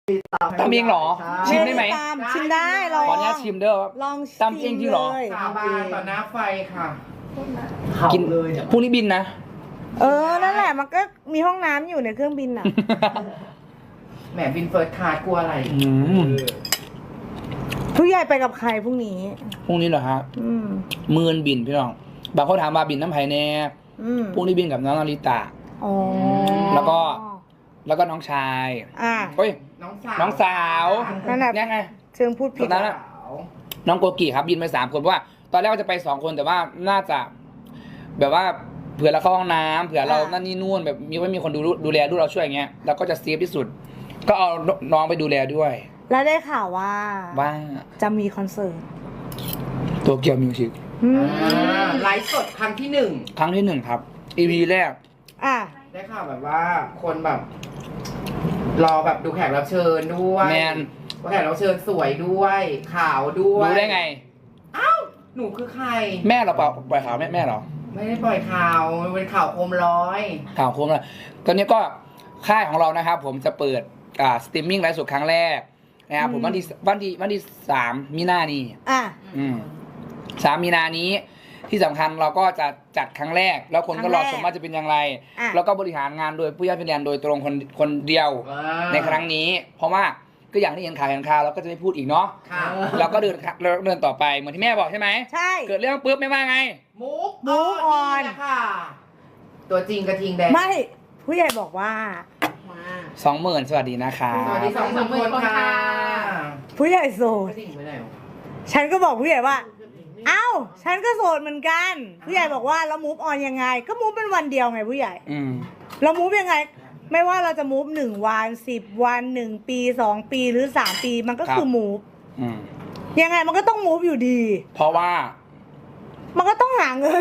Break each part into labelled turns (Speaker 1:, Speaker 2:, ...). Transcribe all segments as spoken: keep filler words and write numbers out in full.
Speaker 1: ทำเองเหรอชิมได้ไหม
Speaker 2: ชิมได้ลอง
Speaker 1: ขออนุญาตชิมเด้อ
Speaker 2: ลอง
Speaker 1: ตำเองจริงเหรอ
Speaker 3: สาบานต่อหน้าไฟค่ะ
Speaker 1: กินพรุ่งนี้บินนะ
Speaker 2: เออนั่นแหละมันก็มีห้องน้ำอยู่ในเครื่องบินน่ะ
Speaker 3: แหมบินเฟิร์สคลาสกลัวอะไร
Speaker 1: อืม
Speaker 2: ผู้ใหญ่ไปกับใครพรุ่งนี้
Speaker 1: พรุ่งนี้เหรอฮะ
Speaker 2: อืม
Speaker 1: มือนบินพี่น้องบางเขาถามมาบินน้ำไผ่แน่
Speaker 2: อืม
Speaker 1: พรุ่งนี้บินกับน้องนาริตะ
Speaker 2: อ๋อ
Speaker 1: แล้วก็ แล้วก็น้องชาย
Speaker 2: อ่ะ
Speaker 1: เฮ้ย
Speaker 3: น้องสาว
Speaker 1: น้องสาว
Speaker 2: นั่นแหละ
Speaker 1: เนี่ยไง
Speaker 2: เชิงพูดผิด
Speaker 1: ตอนนั้นอะ น้องโกกิครับบินไปสามคนเพราะว่าตอนแรกว่าจะไปสองคนแต่ว่าน่าจะ แบบว่าเผื่อเราเข้าห้องน้ำเผื่อเรานั่นนี่นู่นแบบมีไม่มีคนดูดูแลดูเราช่วยอย่างเงี้ยเราก็จะเซฟที่สุด ก็เอาน้องไปดูแลด้วย
Speaker 2: แล้วได้ข่าวว่า
Speaker 1: ว่า
Speaker 2: จะมีคอนเสิร์ต
Speaker 1: ตัวเกียวมิวสิก
Speaker 2: อืม
Speaker 3: อ่าไลฟ์สดครั้งที่หนึ่ง
Speaker 1: ครั้งที่หนึ่งครับ อี พี แรก
Speaker 2: อ่ะ
Speaker 3: ได้ข่าวแบบว่าคนแบบ รอแบบดูแขกรับเชิญด้วย
Speaker 1: แมน
Speaker 3: ว่าแขกรับเชิญสวยด้วยขาวด้วย
Speaker 1: รู้ได้ไง
Speaker 3: อ้าวหนูคือใคร
Speaker 1: แม่เราเปล่าปล่อยข่าวแม่แม่เหรอ
Speaker 3: ไม่ได้ปล่อยข่าวมันเป็นข่าวโคมลอย
Speaker 1: ข่าวโคมเลยตอนนี้ก็ค่ายของเรานะครับ ผมจะเปิดอ่าสตรีมมิ่งไลฟ์สดครั้งแรกนะครับผมวันที่วันที่วันที่สามมีนานี้
Speaker 2: อ่ะ
Speaker 1: อืมสามมีนานี้ที่สำคัญเราก็จะจัดครั้งแรก แล้วคนก็รอชมว่าจะเป็นอย่างไร
Speaker 2: อ่ะ
Speaker 1: แล้วก็บริหารงานโดยผู้ย่าเป็นแดนโดยตรงคนคนเดียว
Speaker 3: อ่า
Speaker 1: ในครั้งนี้ เพราะว่าก็อย่างที่เห็นข่าวเห็นข่าวเราก็จะไม่พูดอีกเนาะ
Speaker 3: ค่ะ
Speaker 1: เราก็เดินเราเดินต่อไปเหมือนที่แม่บอกใช่ไหม
Speaker 2: ใช่
Speaker 1: เกิดเรื่องปุ๊บไม่ว่าไง
Speaker 3: มุก
Speaker 2: Move on
Speaker 3: นี่แหละค่ะ ตัวจริงกระทิงแดง
Speaker 2: ไม่ ผู้ใหญ่บอกว่า
Speaker 1: สองหมื่นสวัสดีนะคะ
Speaker 3: สวัสดีสองสามคนค่ะ
Speaker 2: ผู้ใหญ่โส
Speaker 3: ก
Speaker 2: ด
Speaker 3: ระทิงไปไหนวะ
Speaker 2: ฉันก็บอกผู้ใหญ่ว่า เอ้า ฉันก็โสดเหมือนกัน ผู้ใหญ่บอกว่าแล้วมูฟออนยังไง ก็มูฟเป็นวันเดียวไงผู้ใหญ่
Speaker 1: อืม
Speaker 2: เรามูฟยังไง ไม่ว่าเราจะมูฟหนึ่งวันสิบวันหนึ่งปีสองปีหรือสามปีมันก็คือมูฟ
Speaker 1: อืม
Speaker 2: ยังไงมันก็ต้องมูฟอยู่ดี
Speaker 1: เพราะว่า
Speaker 2: มันก็ต้องหาเงิน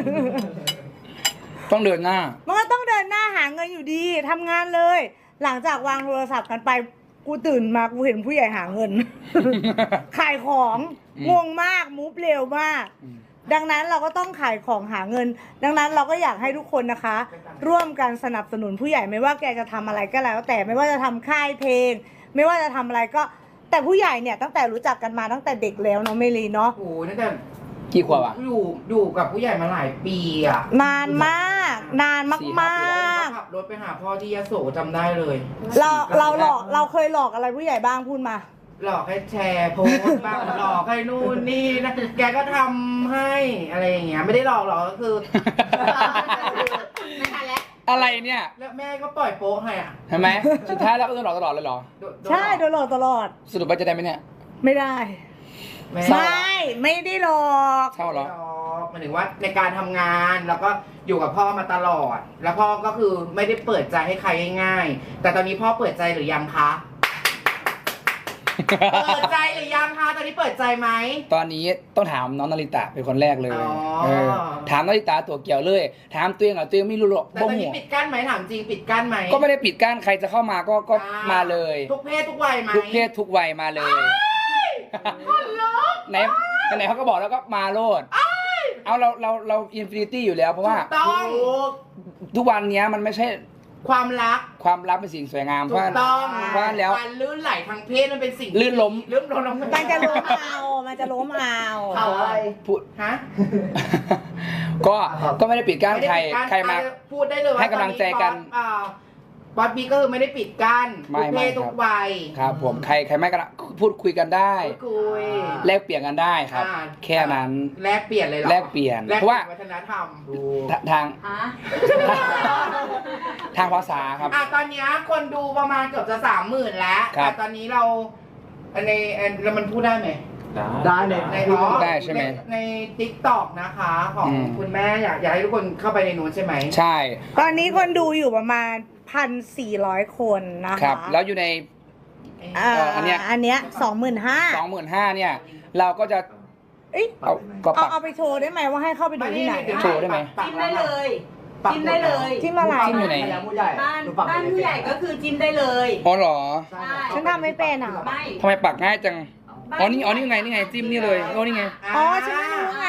Speaker 1: ต้องเดินหน้า
Speaker 2: มันก็ต้องเดินหน้าหาเงินอยู่ดีทำงานเลย หลังจากวางโทรศัพท์กันไปกูตื่นมากูเห็นผู้ใหญ่หาเงิน ขายของ
Speaker 1: อืม
Speaker 2: งงมากมูฟเร็วมาก
Speaker 1: อืม
Speaker 2: ดังนั้นเราก็ต้องขายของหาเงิน ดังนั้นเราก็อยากให้ทุกคนนะคะ ร่วมกันสนับสนุนผู้ใหญ่ไม่ว่าแกจะทำอะไรก็แล้ว แต่ไม่ว่าจะทำค่ายเพลง ไม่ว่าจะทำอะไรก็ แต่ผู้ใหญ่เนี่ยตั้งแต่รู้จักกันมาตั้งแต่เด็กแล้วเนาะเมลีเนาะ
Speaker 3: โอ้โหตั้งแต่
Speaker 1: กี่ขวบอ่ะ
Speaker 3: อยู่อยู่กับผู้ใหญ่มาหลายปีอ่ะ
Speaker 2: นานมาก นานมาก
Speaker 1: สี่
Speaker 2: ม
Speaker 1: ห้าปี
Speaker 2: าก
Speaker 3: ขับรถไปหาพ่อที่ยโสจำได้เลย
Speaker 2: เราเราหลอกเราเคยหลอกอะไรผู้ใหญ่บ้างพูดมา
Speaker 3: หลอกให้แชร์โพสต์บ้างหลอกให้นู่นนี่นะแกก็ทำให้อะไรอย่างเงี้ยไม่ได้หลอกหรอกก็คือ ไม่ทันแล้ว
Speaker 1: อะไรเนี่ย
Speaker 3: แล้วแม่ก็ปล่อยโป๊ะให้อ่ะ
Speaker 1: เห็นไหมสุดท้ายเราก็โดนหลอกตลอดเลยเหรอ
Speaker 3: โดนโดน
Speaker 2: ใช่โดนหลอกตลอด
Speaker 1: สรุปว่าจะได้ไหมเนี่ย
Speaker 2: ไม่ได้
Speaker 3: แม่
Speaker 1: เศร้า
Speaker 2: ไม่ไม่ได้หลอก
Speaker 1: เศร้าเหรอ
Speaker 3: หลอกหมายถึงว่าในการทำงานแล้วก็อยู่กับพ่อมาตลอด แล้วพ่อก็คือไม่ได้เปิดใจให้ใครง่ายๆแต่ตอนนี้พ่อเปิดใจหรือยังคะ เปิดใจหรือยังคะตอนนี้เปิดใจไหม
Speaker 1: ตอนนี้ต้องถามน้องนาริตะเป็นคนแรกเลย
Speaker 3: อ๋อ
Speaker 1: เออถามนาริตะตัวเกี่ยวเลย ถามตัวเองเหรอตัวเองไม่รู้หรอก
Speaker 3: แต่
Speaker 1: บ่
Speaker 3: ตอน
Speaker 1: หั
Speaker 3: นี้
Speaker 1: ว
Speaker 3: ปิดกั้นไหมถามจริงปิดกั้นไหม
Speaker 1: ก็ไม่ได้ปิดกั้นใครจะเข้ามาก็ก็
Speaker 3: อ่
Speaker 1: มาเลย
Speaker 3: ทุกเพศทุกวัยไหม
Speaker 1: ทุกเพศทุกวัยมาเลยไหนไหนเขาก็บอกแล้วก็มาโลดเอาเราเราเราอินฟินิตี้อยู่แล้วเพราะว่า
Speaker 3: ถูกต้อง
Speaker 1: ทุกวันเนี้ยมันไม่ใช่
Speaker 3: ความรัก
Speaker 1: ความลับเป็นสิ่งสวยงามเพ
Speaker 3: ถู
Speaker 1: ราะ
Speaker 3: กต้อง
Speaker 1: เพราะแล้ว
Speaker 3: การลื่นไหลทางเพศมันเป็นสิ่ง
Speaker 1: ลื่นล้ม
Speaker 3: ลื่นล้ม
Speaker 2: มันจะล้มเอามันจะล้มเอา
Speaker 3: เอาอะไร
Speaker 1: พูด
Speaker 3: ฮะ
Speaker 1: ก็ก็ไม่ได้ปิดกั้น
Speaker 3: ไม่ได้
Speaker 1: ใคร
Speaker 3: ปิดกั้น
Speaker 1: ใครมา
Speaker 3: พูดได้เลยว่า
Speaker 1: ให้กำลังใจกัน
Speaker 3: ตออ่าบอสบีก็คือไม่ได้ปิดกั้น
Speaker 1: ไม่
Speaker 3: ทุกเพ
Speaker 1: ไม่
Speaker 3: ศ
Speaker 1: ครับ
Speaker 3: ทุกวัย
Speaker 1: ครับผมใครใครไม่ก็พูดคุยกันได้
Speaker 3: พูดคุย
Speaker 1: แลกเปลี่ยนกันได้ครับ
Speaker 3: อ่า
Speaker 1: แค่นั้น
Speaker 3: แลกเปลี่ยนเลยเหรอ
Speaker 1: แลกเปลี่ยน
Speaker 3: แลก
Speaker 1: เพราะว่า
Speaker 3: วัฒนธรรม
Speaker 1: ทาทางทางภาษาครับ
Speaker 3: อ่ะตอนเนี้ยคนดูประมาณเกือบจะสามหมื่นแล้ว
Speaker 1: ครับ
Speaker 3: แต่ตอนนี้เราในเรามันพูดได้ไหม
Speaker 4: ได้เลย
Speaker 3: ในอ๋อ
Speaker 1: ได้ใช่ไหม
Speaker 3: ในทิกตอกนะคะ ของ
Speaker 1: อืม
Speaker 3: คุณแม่อยากอยากให้ทุกคนเข้าไปในนู้นใช่ไหม
Speaker 1: ใช่
Speaker 2: ตอนนี้คนดูอยู่ประมาณพันสี่ร้อยคนนะ
Speaker 1: ครั
Speaker 2: คะ
Speaker 1: บ แล้วอยู่ใน
Speaker 2: อ่า
Speaker 1: เอ่ออันเนี้ย
Speaker 2: อันเนี้ยสองหมื่นห้า
Speaker 1: สองหมื่นห้าเนี่ย เราก็จะ
Speaker 2: เอ้ย
Speaker 1: เอาก็
Speaker 2: เอา
Speaker 1: ปัก
Speaker 2: เอาไปโชว์ได้ไหมว่าให้เข้าไปดูที่ไหน
Speaker 1: โชว์ได้ไหม
Speaker 5: จิ้มได้เลย
Speaker 3: ปัก
Speaker 5: จิ้มได้เลย
Speaker 2: จิ้มอะไร
Speaker 1: จิ้มอยู่ไหน
Speaker 4: ผู้ใหญ่
Speaker 5: บ้าน
Speaker 4: หนูปัก
Speaker 5: บ้านผู้ใหญ่ก็คือจิ้มได้เลย
Speaker 1: อ๋อเหรอ
Speaker 5: ใช่
Speaker 2: ฉันทำไม่เป็นอ่ะ
Speaker 5: ไม่
Speaker 1: ทำไมปักง่ายจัง อ๋อนี่อ๋อนี่ไงนี่ไงจิ้มนี่เลยโอ้นี่ไง
Speaker 2: อ๋อฉันไม่รู้ไง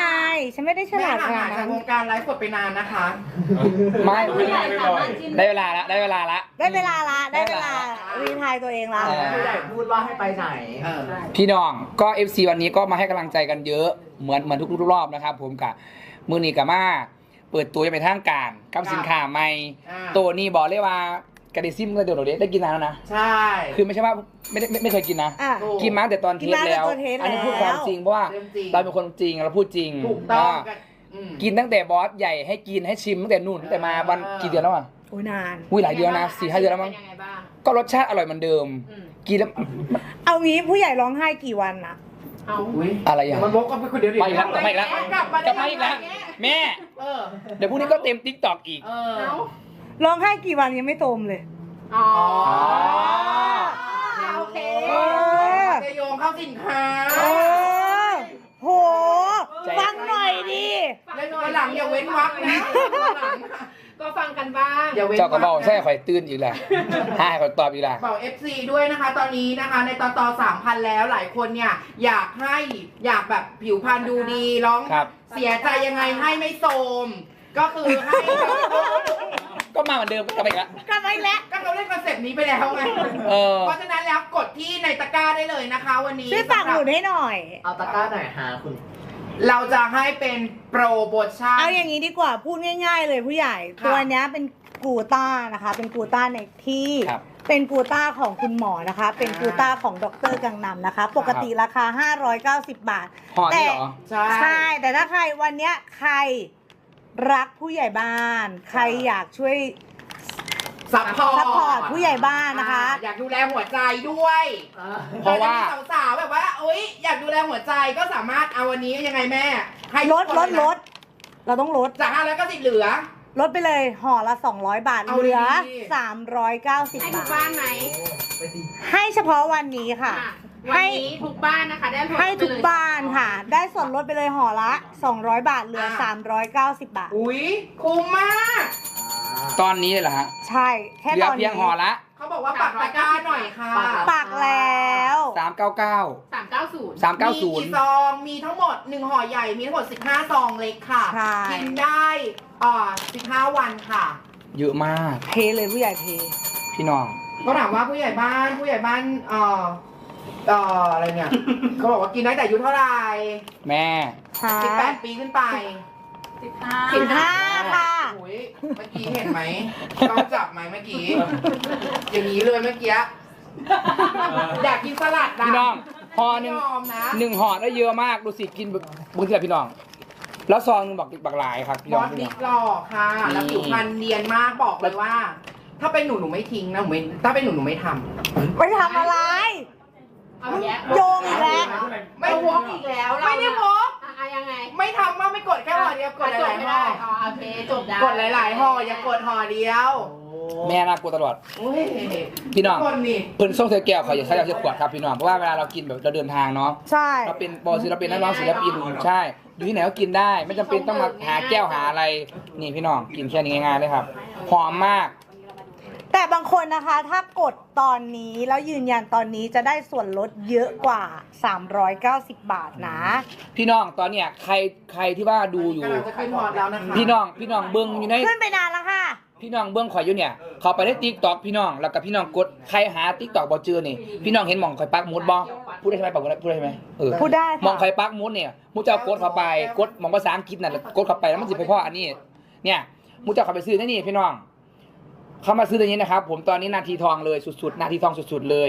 Speaker 2: ฉันไม่ได้ฉ
Speaker 3: แม่
Speaker 2: ลาดข
Speaker 3: ห่าง
Speaker 2: นา
Speaker 3: หา
Speaker 2: ด
Speaker 3: ยจา
Speaker 2: นั้
Speaker 3: ก
Speaker 2: น
Speaker 3: วงการไลฟ์สดไปนานนะคะ
Speaker 1: ไม่
Speaker 5: ผู้ใหญ่สามารถจิ้ม
Speaker 1: ได้เวลาละได้เวลาละ
Speaker 2: ได้เวลาละได้เวลารีทายตัวเองละ
Speaker 1: เออ
Speaker 4: ผู้ใหญ่พูดว่าให้ไปไหน
Speaker 3: เออ
Speaker 1: พี่น้องก็ เอฟ ซี วันนี้ก็มาให้กำลังใจกันเยอะเหมือนเหมือนทุกๆรอบนะครับผมกับมือนีกับมาเปิดตัวจะเป็นทางการกับสินค้าใหม่
Speaker 3: อ่า
Speaker 1: ตัวนี้บอกเลยว่ากระดิซิมก็เดี๋ยวเราได้กินนานแล้วนะ
Speaker 3: ใช่
Speaker 1: คือไม่ใช่ว่าไม่ได้ไม่ไม่เคยกินนะ
Speaker 2: อ่ะ
Speaker 3: ถู
Speaker 1: กินมาตั้งแต่ตอนเท
Speaker 2: กิน
Speaker 1: ส
Speaker 2: มาตั้งแต่
Speaker 1: แล้ว
Speaker 2: ตอนเทส
Speaker 1: อันนี้พูด
Speaker 2: แล้ว
Speaker 1: ความจริงเพราะว่า
Speaker 3: เรื่องจริง
Speaker 1: เราเป็นคนจริงเราพูดจริง
Speaker 3: ถูกต้อง
Speaker 1: า
Speaker 3: กันอืม
Speaker 1: กินตั้งแต่บอสใหญ่ให้กินให้ชิมตั้งแต่นู่นตั้งแต่มาวัน
Speaker 3: อ่า
Speaker 1: กี่เดือนแล้วอ่ะ
Speaker 2: โอ้ยนาน
Speaker 1: อุ้ยหลายเดือนนะสี่ห้าเดือนแล้วมั้ง
Speaker 5: ป็ยังไงบ้าง
Speaker 1: ก็รสชาติอร่อยเหมือนเดิม
Speaker 5: อืม
Speaker 1: กินแล้ว
Speaker 2: เอางี้ผู้ใหญ่ร้องไห้กี่วันนะ
Speaker 5: เอา
Speaker 3: อุ้ย
Speaker 1: อะไรอย่าง
Speaker 3: มันวกกันไปคนเดียวดิ
Speaker 1: มาอีกแล้วกลับมาอีกแล้ว
Speaker 3: กลับมาก
Speaker 1: ลับมาอีกแล้วแม่
Speaker 3: เออ
Speaker 1: เดี๋ยวพรุ่งนี้ก็เต็มติ๊กตอกอีก
Speaker 3: เออ
Speaker 5: เอา
Speaker 2: ร้องไห้กี่วันยังไม่โตมเลย
Speaker 5: อ๋อ
Speaker 3: อ๋อ
Speaker 5: โอเค
Speaker 2: เออ
Speaker 3: จะโยงเข้าสินค้า
Speaker 2: เออโห
Speaker 1: ใจ
Speaker 2: ฟังหน่อยดิ
Speaker 3: แล้ววันหลังอย่าเว้นวรรคนะวันหลัง
Speaker 5: ก็ฟังกันบ้าง
Speaker 3: อย่าเว้นวรรค
Speaker 1: เจ้าก็บอกใช่ข่อยตื่นอีกแหละให้ข่อยตอบอีกแหละ
Speaker 3: บอก เอฟ ซี ด้วยนะคะ ตอนนี้นะคะ ในตอนต่อสามพันแล้วหลายคนเนี่ยอยากให้อยากแบบผิวพรรณดูดีร้อง
Speaker 1: ครับ
Speaker 3: เสียใจยังไงให้ไม่โทรมก็คือให้
Speaker 1: ก็มาเหมือนเดิมก็กลับมาอีกแล้ว
Speaker 2: กลับมาอีกแล้ว
Speaker 3: ก็เขาเล่นคอนเซปต์นี้ไปแล้วไง
Speaker 1: เออ
Speaker 3: เพราะฉะนั้นแล้วกดที่ในตะกร้าได้เลยนะคะ วันนี้
Speaker 2: ช่วยฝากหนุนให้หน่อย
Speaker 4: เอาตะกร้าหน่อยฮะคุณ
Speaker 3: เราจะให้เป็นโปรโมชั่น
Speaker 2: เอาอย่างนี้ดีกว่าพูดง่าย ๆ เลยผู้ใหญ่
Speaker 3: ค่ะ
Speaker 2: ตัวเนี้ยเป็นกูต้านะคะ เป็นกูต้าในที่
Speaker 1: ครับ
Speaker 2: เป็นกูต้าของคุณหมอนะคะ เป็นกูต้าของดรกังนำนะคะ ปกติราคา ห้าร้อยเก้าสิบ บาท
Speaker 1: ห่อนี่
Speaker 2: แต่
Speaker 1: เหรอ
Speaker 3: ใช่
Speaker 2: ใช่ แต่ถ้าใครวันเนี้ยใครรักผู้ใหญ่บ้าน ใครอยากช่วย
Speaker 3: ซัพพอร์ต
Speaker 2: ซัพพอร์ตผู้ใหญ่บ้านนะคะ
Speaker 3: อ่าอยากดูแลหัวใจด้วย
Speaker 1: เพราะว่า
Speaker 3: แต่จมีสาวๆแบบว่าโอ๊ยอยากดูแลหัวใจก็สามารถเอาวันนี้ยังไงแม่ให้
Speaker 2: ลด
Speaker 3: ทุก
Speaker 2: ล
Speaker 3: คน
Speaker 2: ด
Speaker 3: เยนะ
Speaker 2: ลดเราต้องลด
Speaker 3: จากห้าร้อยเก้าสิบเหลือ
Speaker 2: ลดไปเลยห่อละสองร้อยบาท
Speaker 3: เอา
Speaker 2: เหลือ
Speaker 3: ดีๆ
Speaker 2: สามร้อยเก้าสิบ
Speaker 5: ให้ทุ
Speaker 2: บาก ท
Speaker 5: บ้านไหม
Speaker 2: ให้เฉพาะวันนี้ค่ะ
Speaker 5: อ่ะวันนี้ทุกบ้านนะคะได้ลด
Speaker 2: ให้ทุก
Speaker 5: ไปเลย
Speaker 2: บ้านค่ะ ได้ส่วนลดไปเลยห่อละสองร้อยบาทเหลือ
Speaker 3: อ่ะ
Speaker 2: สามร้อยเก้าสิบ บาท
Speaker 3: อุ้ยคุ้มมาก
Speaker 1: ตอนนี้เลยเหรอฮะ
Speaker 2: ใช่ แค่
Speaker 1: เหลื
Speaker 2: ต
Speaker 1: อ
Speaker 2: อน
Speaker 1: เพี
Speaker 2: นี้
Speaker 1: ยงห่อละ
Speaker 3: เขาบอกว่าปักตะกร้าหน่อยค่ะ
Speaker 2: ปักแล้ว
Speaker 1: สามเก้าเก้า
Speaker 5: สามเก้าศูนย์
Speaker 1: สามเก้าศู
Speaker 3: มี
Speaker 1: นย์
Speaker 3: กี่ซองมีทั้งหมดหนึ่งห่อใหญ่มีทั้งหมดสิบห้าซองเล็กค่ะ
Speaker 2: ใช่
Speaker 3: กินได้อ่าสิบห้าวันค่ะ
Speaker 1: เยอะมาก
Speaker 2: เทเลยผู้ใหญ่เท
Speaker 1: พี่น้อง
Speaker 3: ก็ถามว่าผู้ใหญ่บ้านผู้ใหญ่บ้านเอ่อเอ่ออะไรเนี่ย เขาบอกว่ากินได้แต่อายุเท่าไหร่
Speaker 1: แม่
Speaker 2: ค่ะ
Speaker 3: สิบแปดปีขึ้นไป
Speaker 5: สิบห้า
Speaker 2: สิบห้าค่ะ
Speaker 3: โอ้ยเมื่อกี้เห็นไหมต้องจับไหมเมื่อกี้ อย่างนี้เลยเมื่อกี้อยากกินสลัดนะ
Speaker 1: พี่น้องห่อห
Speaker 3: ไม่
Speaker 1: นึ่ง
Speaker 3: ยอมนะ
Speaker 1: หนึ่งห่อได้เยอะมากดูสิกินแบบบางทีแบบพี่น้อง แล้วซองหนึงบักบักหลายครับพี่
Speaker 3: บ
Speaker 1: น้อ
Speaker 3: อง ส
Speaker 1: พี่
Speaker 3: บิ๊
Speaker 1: น้อก ง
Speaker 3: หล่อค่ะ แล้ว
Speaker 1: นี่
Speaker 3: ผิวพรรณเนียนมากบอกเลยว่า ถ้าเป็นหนูหนูไม่ทิ้งนะหนูไม่ถ้าเป็นหนูหนูไม่ทำ
Speaker 2: ไปทำอะไร
Speaker 5: เอาแยะ
Speaker 2: โยงอีกแล้ว
Speaker 3: ไม่
Speaker 5: ไม่
Speaker 3: ว
Speaker 5: ว
Speaker 3: อก
Speaker 5: กอีกแล้วเรา
Speaker 3: ไม่ได้วอก
Speaker 5: อ่ะอ่ะยังไง
Speaker 3: ไม่ทำว่าไม่กดแค่ห่อเดียวกดห
Speaker 5: จ
Speaker 3: ลา
Speaker 5: บ
Speaker 3: ย
Speaker 5: ไม่
Speaker 3: ๆห่อ
Speaker 5: ได้อ๋อโอเคจบได้
Speaker 3: กดหลายๆห่ออย่ากดห่อเดียว
Speaker 1: แม่น่ากลัวตลอด
Speaker 3: โอ้ย
Speaker 1: พี่น้อง
Speaker 3: คนนี่
Speaker 1: เพิ่นส่งเธอแก้วเขาอย่าใช้เราเสียขวดครับพี่น้องเพราะว่าเวลาเรากินแบบเราเดินทางเนาะ
Speaker 2: ใช่
Speaker 1: เราเป็นบอศิลปินนักร้องศิลปินใช่อยู่ที่ไหนก็กินได้ ไม่จำเป็นต้องมาหาแก้วหาอะไรนี่พี่น้องกินแค่นี้ง่ายๆเลยครับหอมมาก
Speaker 2: แต่บางคนนะคะ ถ้ากดตอนนี้แล้วยืนยันตอนนี้จะได้ส่วนลดเยอะกว่า สามร้อยเก้าสิบ บาทนะ
Speaker 1: พี่น้องตอนเนี้ยใครใครที่ว่าดูอยู่
Speaker 3: กำลังจะขึ้นฮอตแล้วนะคะ
Speaker 1: พี่น้องพี่น้องเบิ้งอยู่ใน
Speaker 2: ขึ้นไปนานแล้วค่ะ
Speaker 1: พี่น้องเบิ้งข่อยอยู่เนี่ยเขาไปได้ติ๊กต็อกพี่น้องแล้วก็พี่น้องกดใครหาติ๊กต็อกบอเจอนี่พี่น้องเห็นหมองข่อยปักหมุดบอพูดได้ใช่ไหมปักหมุดได้พูดได้ใช่ไหมเออ
Speaker 2: พูดได้
Speaker 1: หมอง
Speaker 2: ค่ะ
Speaker 1: ข่อยปักหมุดเนี่ยมูเจ้ากดเข้าไปกดหมองภาษาอังกฤษน่ะแล้วกดเข้าไปแล้วมันสิไปพ่ออันนี้ เนี่ยมูเจ้าเข้าไปซื้อได้นี่พี่น้องเข้ามาซื้อตัวนี้นะครับ ผมตอนนี้นาทีทองเลยสุดๆนาทีทองสุดๆเลย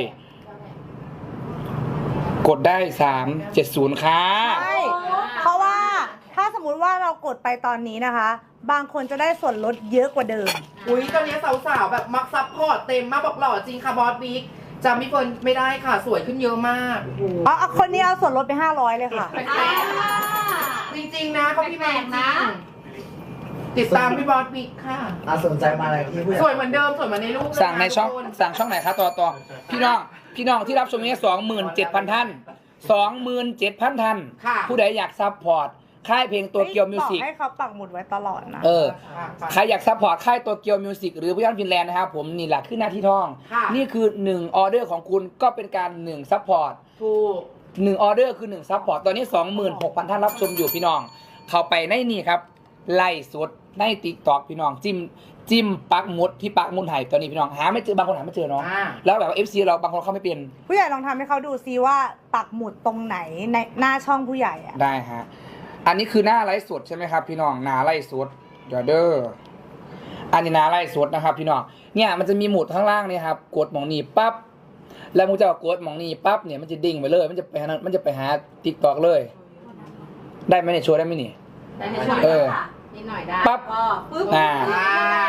Speaker 1: กดได้สามเจ็ดศูนย์ค่ะ
Speaker 2: ใช่ เพราะว่าถ้าสมมุติว่าเรากดไปตอนนี้นะคะ บางคนจะได้ส่วนลดเยอะกว่าเดิม
Speaker 3: อุ้ยตอนนี้สาวๆแบบมักซับพอร์ตเต็มมากบอกหล่อจริงค่ะบอสบิ๊กจำพี่เฟิร์นไม่ได้ค่ะสวยขึ้นเยอะมาก
Speaker 2: อ๋อเอาคนนี้เอาส่วนลดไปห้าร้อยเลยค่ะ
Speaker 5: อ่า
Speaker 3: จริงๆนะเขาพี่แมน
Speaker 5: แปลกๆนะ
Speaker 3: ติดตามพี่บอสบิ๊กค่ะ
Speaker 4: อาสนใจมาอะไรที่ผู้ใหญ่
Speaker 3: สวยเหมือนเดิมสวยเหมือนในรูปเลย
Speaker 1: สั่งในช่อง
Speaker 3: ทุกคน
Speaker 1: สั่งช่องไหนคะต่อต่อพี่น้องพี่น้องที่รับชมนี้สองหมื่นเจ็ดพันท่านสองหมื่นเจ็ดพันท่าน
Speaker 3: ค่ะ
Speaker 1: ผู้ใดอยากซัพพอร์ตค่ายเพลงตัวเกียวมิวสิก
Speaker 2: บอกให้เขาปักหมุดไว้ตลอดนะ
Speaker 1: เออใครอยากซัพพอร์ตค่ายตัวเกียวมิวสิกหรือพี่ยันฟินแลนด์นะครับผมนี่แหละคือหน้าที่ทอง
Speaker 3: ค่ะ
Speaker 1: นี่คือหนึ่งออเดอร์ของคุณก็เป็นการหนึ่งซัพพอร์ต
Speaker 3: ถูก
Speaker 1: หนึ่งออเดอร์คือหนึ่งซัพพอร์ตตอนนี้สองหมื่นหกพันท่านรับชมอยู่พี่น้องเข้าไปในนี่ครับไล่สดในติ๊กต็อกพี่น้องจิ้มจิ้มปักหมุดที่ปักหมุดไห่ตอนนี้พี่น้องหาไม่เจอบางคนหาไม่เจอเนาะ
Speaker 3: อ่า
Speaker 1: แล้วแบบว่าเอฟซีเราบางคนเขาไม่เป็น
Speaker 2: ผู้ใหญ่ลองทำให้เขาดูซิว่าปักหมุดตรงไหนในหน้าช่องผู้ใหญ่อะ
Speaker 1: ได้ฮะอันนี้คือหน้าไลฟ์สดใช่ไหมครับพี่น้องหน้าไลฟ์สดเดี๋ยวเด้ออันนี้หน้าไลฟ์สดนะครับพี่น้องเนี่ยมันจะมีหมุดข้างล่างเนี่ยครับกดหมองนี้ปั๊บแล้วมึงจะกดหมองนี้ปั๊บเนี่ยมันจะดิ่งไปเลยมันจะไปหามันจะไปหาติ๊กต็อกเลย ได้ไหมเนี่ยโชว์ได้ไหมนี่
Speaker 5: ได้ให้ช่วย
Speaker 1: เออ
Speaker 5: นิดหน่อยได้
Speaker 1: ปั๊บ
Speaker 5: ก็ปึ๊บ
Speaker 1: อ่า
Speaker 3: อ่า